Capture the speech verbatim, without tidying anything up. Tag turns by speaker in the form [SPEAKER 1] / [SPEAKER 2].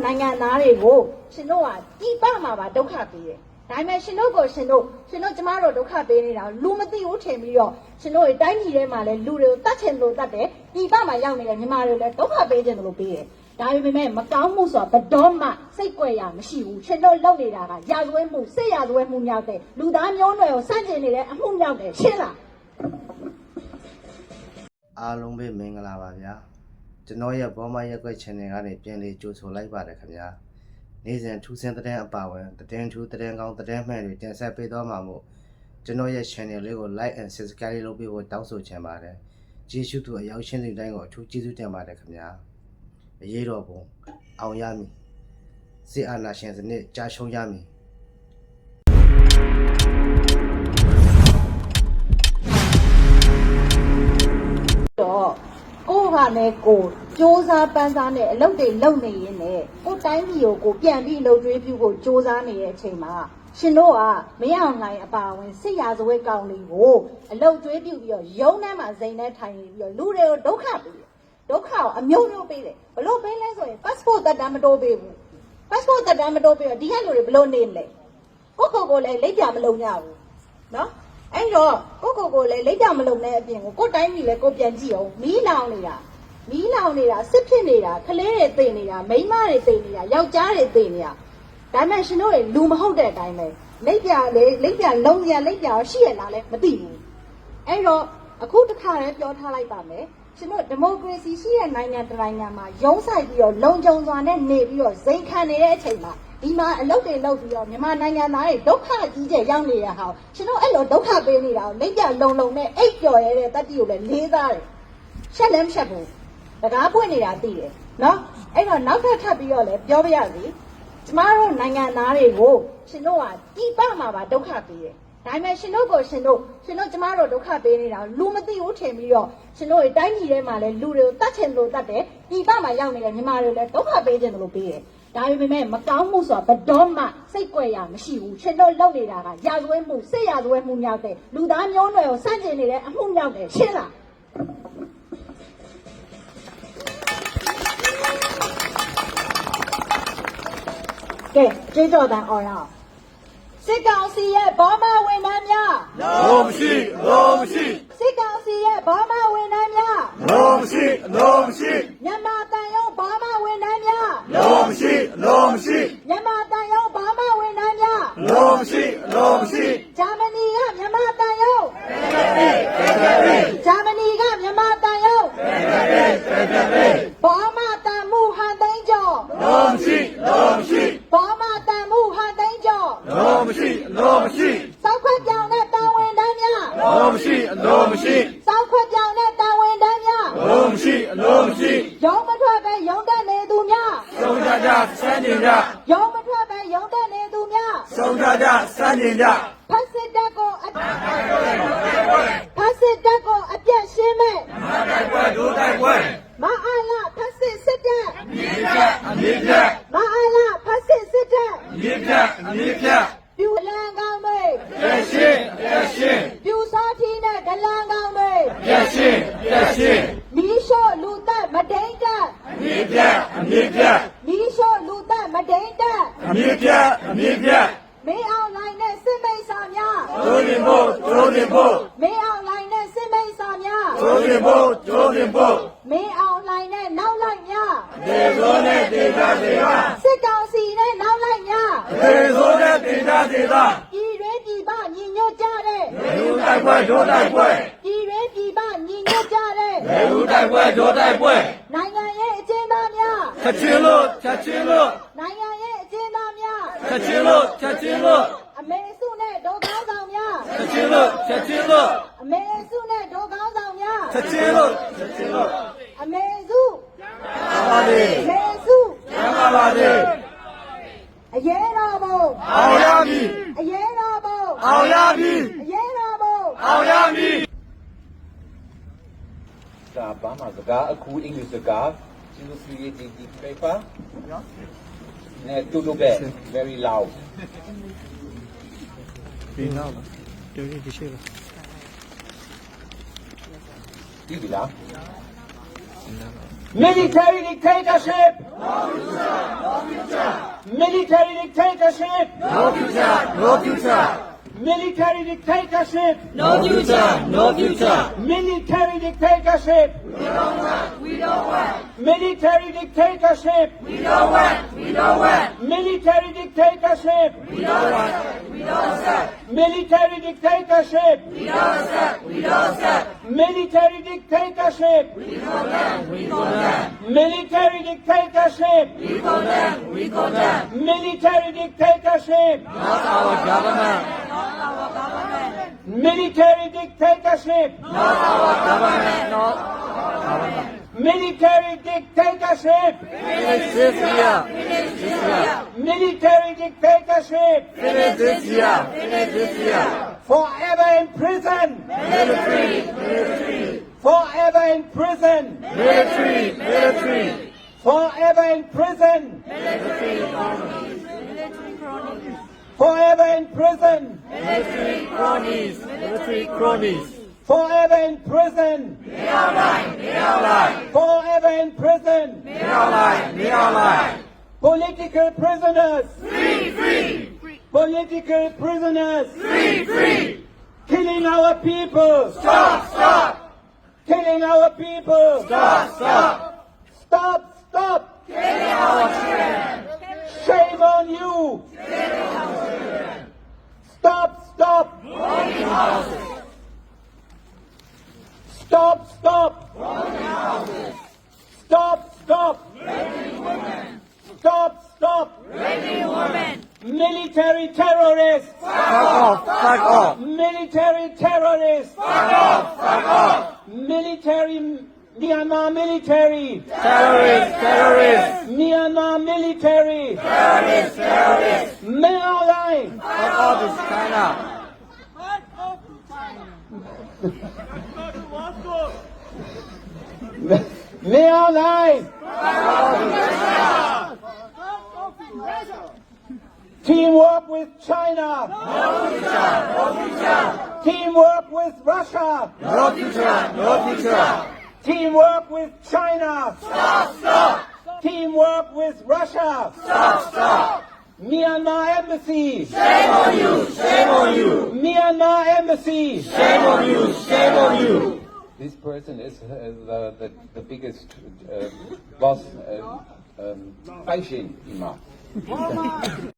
[SPEAKER 1] နိုင်ငံသားတွေကိုရှင်တို့ကတိပမှာပါဒုက္ခပေးတယ်ဒါပေမဲ့ရှင်တို့ကိုရှင်တို့ရှင်တို့ကျမတို့ဒုက္ခပေးနေတာလူမသိဘူးထင်ပြီးတော့ရှင်တို့တိုင်းပြည်ထဲမှာလည်းလူတွေကိုတတ်ချင်လို့တတ်တယ်တိပမှာရောက်နေတဲ့မြန်မာတွေလည်းဒုက္ခပေးခြင်းလို့ပေးတယ်ဒါပေမဲ့မကောင်းမှုဆိုတာဘယ်တော့မှစိတ်ကြွယ်ရမရှိဘူးရှင်တို့လုပ်နေတာကရာဇဝဲမှုစိတ်ရာဇဝဲမှုမြောက်တဲ့လူသားမျိုးနွယ်ကိုစန့်ကျင်နေတဲ့အမှုမြောက်တယ်ရှင်းလား
[SPEAKER 2] အားလုံးပဲမင်္ဂလာပါဗျာကျွန်တော်ရဲ့ဘောမရက်ွက် channel ကနေပြန်လေးကြိုဆိုလိုက်ပါတယ်ခင်ဗျာနေ့စဉ်ထူးဆန်းတဲ့အပါဝင်သတင်းထူးသတင်းကောင်းသတင်းမှန်တွေတင်ဆက်ပေးသွားမှာမို့ကျွန်တော်ရဲ့ channel လေးကို like and subscribe လုပ်ပေးဖို့တောင်းဆိုချင်ပါတယ်ကျေးဇူးတူအရောက်ရှင်းတဲ့တိုင်းကိုအထူးကျေးဇူးတင်ပါတယ်ခင်ဗျာအရေးတော်ပုံအောင်ရမည်စစ်အာဏာရှင်စနစ်ကြာရှုံးရမည်
[SPEAKER 1] တော့ကိုကလည်းကိုစ조사ပန်းစားနဲ့အလုပ်တွေလုပ်နေရင်းနဲ့ကိုတိုင်းပြည်ကိုကိုပြန်ပြီးလှုပ်ကျွေးပြုဖို့စ조사နေတဲ့အချိန်မှာရှင်တို့ကမရအောင်နိုင်အပါဝင်စစ်ရာဇဝဲကောင်တွေကိုအလုပ်ကျွေးပြုပြီးတော့ရုံးထဲမှာဇိမ်နဲ့ထိုင်နေပြီးတော့လူတွေကိုဒုက္ခပေးတယ်ဒုက္ခကိုအမျိုးမျိုးပေးတယ်ဘလို့ပေးလဲဆိုရင် passport တက်တမ်းမတိုးပေးဘူး passport တက်တမ်းမတိုးပေးတော့ဒီကလူတွေဘလို့နေမလဲကိုကိုကိုလည်းလိပ်ပြမလုံရဘူးနော်အဲ့တော့ကိုကိုကိုလည်းလိပ်ပြမလုံတဲ့အပြင်ကိုကိုတိုင်းပြည်လည်းကိုပြန်ကြည့်အောင်မီးလောင်နေတာမီးလောင်နေတာစစ်ဖြစ်နေတာခလေးတွေသိနေတာမိန်းမတွေသိနေတာယောက်ျားတွေသိနေတာဒါမှရှင်တို့တွေလူမဟုတ်တဲ့အတိုင်းပဲလိပ်ပြလေလိပ်ပြလုံရလိပ်ပြရှိရလားလဲမသိဘူးအဲ့တော့အခုတစ်ခါတည်းပြောထားလိုက်ပါမယ်ရှင်တို့ဒီမိုကရေစီရှိတဲ့နိုင်ငံတစ်နိုင်ငံမှာရုံးဆိုင်ပြီးတော့လုံခြုံစွာနဲ့နေပြီးတော့ဇိမ်ခံနေတဲ့အချိန်မှာဒီမှာအလုပ်တွေလုပ်ပြီးတော့မြန်မာနိုင်ငံသားတွေဒုက္ခကြီးကျယ်ရောက်နေရဟာရှင်တို့အဲ့လိုဒုက္ခပေးနေတာကိုလိပ်ပြလုံလုံနဲ့အိတ်ပျော်ရတဲ့တတိကိုလည်းလေးစားတယ်ရှက်လည်းမရှက်ဘူးတကားပွင့်နေတာသိတယ်နော်အဲ့တော့နောက်ထပ်ထပ်ပြီးတော့လည်းပြောပြရစီကျမတို့နိုင်ငံသားတွေကိုရှင်တို့ကတိပမှာပါဒုက္ခပေးတယ်ဒါပေမဲ့ရှင်တို့ကိုရှင်တို့ရှင်တို့ကျမတို့ဒုက္ခပေးနေတာလူမသိဘူးထင်ပြီးတော့ရှင်တို့တိုင်းပြည်ထဲမှာလည်းလူတွေကိုတတ်ချင်လို့တတ်တယ်တိပမှာရောက်နေတဲ့မြန်မာတွေလည်းဒုက္ခပေးခြင်းလို့ပေးတယ်ဒါပေမဲ့မကောင်းမှုဆိုတာဘယ်တော့မှစိတ်ကြွယ်ရမရှိဘူးရှင်တို့လုပ်နေတာကရာဇဝဲမှုစိတ်ရာဇဝဲမှုမြောက်တဲ့လူသားမျိုးနွယ်ကိုစန့်ကျင်နေတဲ့အမှုမြောက်တယ်ရှင်းလားကဲကျေးဇူးတော်အော်ရအောင်စစ်ကောင်စီရဲ့ဘာမှဝန်ထမ်းများ
[SPEAKER 3] လုံးမရှိလုံးမရှိ
[SPEAKER 1] စစ်ကောင်စီရဲ့ဘာမှဝန်ထမ်းများ
[SPEAKER 3] လုံးမရှိလုံးမရှိ
[SPEAKER 1] မြန်မာတန်ရုံးဘာမှဝန်ထမ်းများ
[SPEAKER 3] လုံးမရှိလုံးမရှိ
[SPEAKER 1] မြန်မာတန်ရုံးဘာမှဝန်ထမ်းများ
[SPEAKER 3] လုံးမရှိလုံးမရှိ
[SPEAKER 1] ဂျာမနီကမြန်မာတန်ရုံးဂျာမနီကမြန်မာတန်ရုံးဘာမှတန်မှုဟန်သိန်းကျော်
[SPEAKER 3] လုံးမရှိလုံးမရှိ
[SPEAKER 1] ဘာမှတန်မှုဟန်သိန်းကျော်
[SPEAKER 3] လုံးမရှိလုံးမရှိ
[SPEAKER 1] စောက်ခွက်ပြောင်တဲ့တာဝန်တန်းများ
[SPEAKER 3] လုံးမရှိလုံးမရှိ
[SPEAKER 1] စောက်ခွက်ပြောင်တဲ့တာဝန်တန်းများ
[SPEAKER 3] လုံးမရှိလုံးမရှိ
[SPEAKER 1] ရုံးမထွက်ပဲရုံးတက်နေသူများ
[SPEAKER 3] ဆုံးကြကြစမ်းနေကြ
[SPEAKER 1] ရုံးမထွက်ပဲရုံးတက်နေသူများ
[SPEAKER 3] ဆုံးကြကြစမ်းနေကြ
[SPEAKER 1] ဖက်စစ်တပ်ကိုအဖက်စစ်တပ်ကိုအပြတ်ရှင်းမဲ့
[SPEAKER 3] မတိုက်ပွဲဒိုးတိုက်ပွဲ
[SPEAKER 1] မအားလားဖက်စစ်စစ်တပ်
[SPEAKER 3] အမြင့်ပြအမြင့်ပြ
[SPEAKER 1] မအားလားဖက်စစ်စစ်တပ်
[SPEAKER 3] အမြင့်ပြအမြင့်ပြ
[SPEAKER 1] ပြူလန်ကောင်းမေး
[SPEAKER 3] ပြရှင်းပြရှင်း
[SPEAKER 1] ပြူစားထီးနဲ့ဒလန်ကောင်းမေး
[SPEAKER 3] ပြရှင်းပြရှင်း
[SPEAKER 1] မီးရှို့လူသက်မဒိန်တက်
[SPEAKER 3] အမြင့်ပြအမြင့်ပြ
[SPEAKER 1] မီးရှို့လူသက်မဒိန်တက်
[SPEAKER 3] အမြင့်ပြအမြင့်ပြ
[SPEAKER 1] မင်းအောင်လိုင်းနဲ့စစ်မိတ်ဆာများ
[SPEAKER 3] ကျိုးရင်ဖို့ကျိုးရင်ဖို့
[SPEAKER 1] မင်းအောင်လိုင်းနဲ့စစ်မိတ်ဆာများ
[SPEAKER 3] ကျိုးရင်ဖို့ကျိုးရင်ဖို့
[SPEAKER 1] မင်းအောင်လိုင်းနဲ့နောက်လိုက်များ
[SPEAKER 3] ဒေသောနဲ့ဒေသဒေသ
[SPEAKER 1] စစ်ကောင်စီနဲ့နောက်လိုက်များ
[SPEAKER 3] ဒေသောနဲ့ဒေသဒေသ
[SPEAKER 1] ဤရွေးပြည်ပညီညွတ်ကြတဲ့
[SPEAKER 3] လူတိုက်ပွဲဒိုးတိုက်ပွဲ
[SPEAKER 1] ဤရွေးပြည်ပညီညွတ်ကြတဲ့
[SPEAKER 3] လူတိုက်ပွဲဒိုးတိုက်ပွဲ
[SPEAKER 1] နိုင်ငံရဲ့အကျဉ်းသားများ
[SPEAKER 3] ချက်ချင်းလို့ချက်ချင်းလို့
[SPEAKER 1] နိုင်ငံရဲ့အကျဉ်းသားများ
[SPEAKER 3] ချက်ချင်းလို့ချက်ချင်းလို့
[SPEAKER 1] အမေစုနဲ့ဒေါ်ကောင်းဆောင်များ
[SPEAKER 3] ချက်ချင်းလို့ချက်ချင်းလို့
[SPEAKER 1] အမေစုနဲ့ဒေါ်ကောင်းဆောင်များ
[SPEAKER 3] ချက်ချင်းလို့ချက်ချင်းလို့
[SPEAKER 1] အမေစု
[SPEAKER 3] ပါလေ
[SPEAKER 1] အမေစု
[SPEAKER 3] ရပါပါလေ
[SPEAKER 1] အရေးတော်ဘုံ
[SPEAKER 3] အောင်ရမည်
[SPEAKER 1] အရေးတော်ဘုံ
[SPEAKER 3] အောင်ရမည်
[SPEAKER 1] အရေးတော်ဘုံ
[SPEAKER 3] အောင်ရမည်
[SPEAKER 4] ဒါဘာမှစကားအခုအင်္ဂလိပ်စကားသူတို့ create the paper and to look at very loud
[SPEAKER 2] ဒီနောက်တော်ရည်ရှိလား
[SPEAKER 4] ဒီလား military dictatorship Military dictatorship.
[SPEAKER 3] No future, no future.
[SPEAKER 4] Military dictatorship.
[SPEAKER 3] No future, no future.
[SPEAKER 4] Military dictatorship.
[SPEAKER 3] We don't want, we don't want.
[SPEAKER 4] Military dictatorship.
[SPEAKER 3] We don't want, we don't want.
[SPEAKER 4] Military dictatorship.
[SPEAKER 3] We don't want, we don't accept.
[SPEAKER 4] Military dictatorship.
[SPEAKER 3] We don't accept, we don't accept.
[SPEAKER 4] Military dictatorship.
[SPEAKER 3] We condemn, we condemn.
[SPEAKER 4] Military dictatorship.
[SPEAKER 3] We condemn, we condemn.
[SPEAKER 4] Military dictatorship.
[SPEAKER 3] Not our government.
[SPEAKER 4] Military dictatorship.
[SPEAKER 3] Not our government. Not government.
[SPEAKER 4] Military dictatorship.
[SPEAKER 3] Finish this year. Finish this year.
[SPEAKER 4] Military dictatorship.
[SPEAKER 3] Finish this year. Finish this year.
[SPEAKER 4] Forever in prison.
[SPEAKER 3] Military, military,
[SPEAKER 4] Forever in prison.
[SPEAKER 3] military, military.
[SPEAKER 4] Forever in prison. Forever in prison.
[SPEAKER 3] Military cronies, military cronies.
[SPEAKER 4] Forever in prison.
[SPEAKER 3] မင်းအောင်လိုက်မင်းအောင်လိုက်
[SPEAKER 4] Forever in prison.
[SPEAKER 3] မင်းအောင်လိုက်မင်းအောင်လိုက်
[SPEAKER 4] Political prisoners.
[SPEAKER 3] free free
[SPEAKER 4] Political prisoners.
[SPEAKER 3] free free
[SPEAKER 4] Killing our people.
[SPEAKER 3] stop stop
[SPEAKER 4] Killing our people.
[SPEAKER 3] stop stop
[SPEAKER 4] Stop. Stop.
[SPEAKER 3] killing our children
[SPEAKER 4] Shame on you. Stop. Stop.
[SPEAKER 3] boarding houses
[SPEAKER 4] Stop. Stop. Stop. Stop. Stop. Stop.
[SPEAKER 3] raping women
[SPEAKER 4] Military terrorists.
[SPEAKER 3] fuck off fuck off
[SPEAKER 4] Military terrorists.
[SPEAKER 3] fuck off fuck off
[SPEAKER 4] Military. Myanmar military.
[SPEAKER 3] terrorists terrorists
[SPEAKER 4] Myanmar military.
[SPEAKER 3] terrorists terrorists
[SPEAKER 4] Men online.
[SPEAKER 3] fuck off is China
[SPEAKER 4] Men online. Teamwork with China. Teamwork with Russia.
[SPEAKER 3] no future no future
[SPEAKER 4] Teamwork with China.
[SPEAKER 3] stop stop
[SPEAKER 4] Teamwork with Russia.
[SPEAKER 3] stop stop
[SPEAKER 4] Myanmar embassy.
[SPEAKER 3] shame on you shame on you
[SPEAKER 4] Myanmar embassy.
[SPEAKER 3] shame on you shame on you
[SPEAKER 4] This person is uh, the, the, the biggest uh, boss, uh, um, Faishin Imam.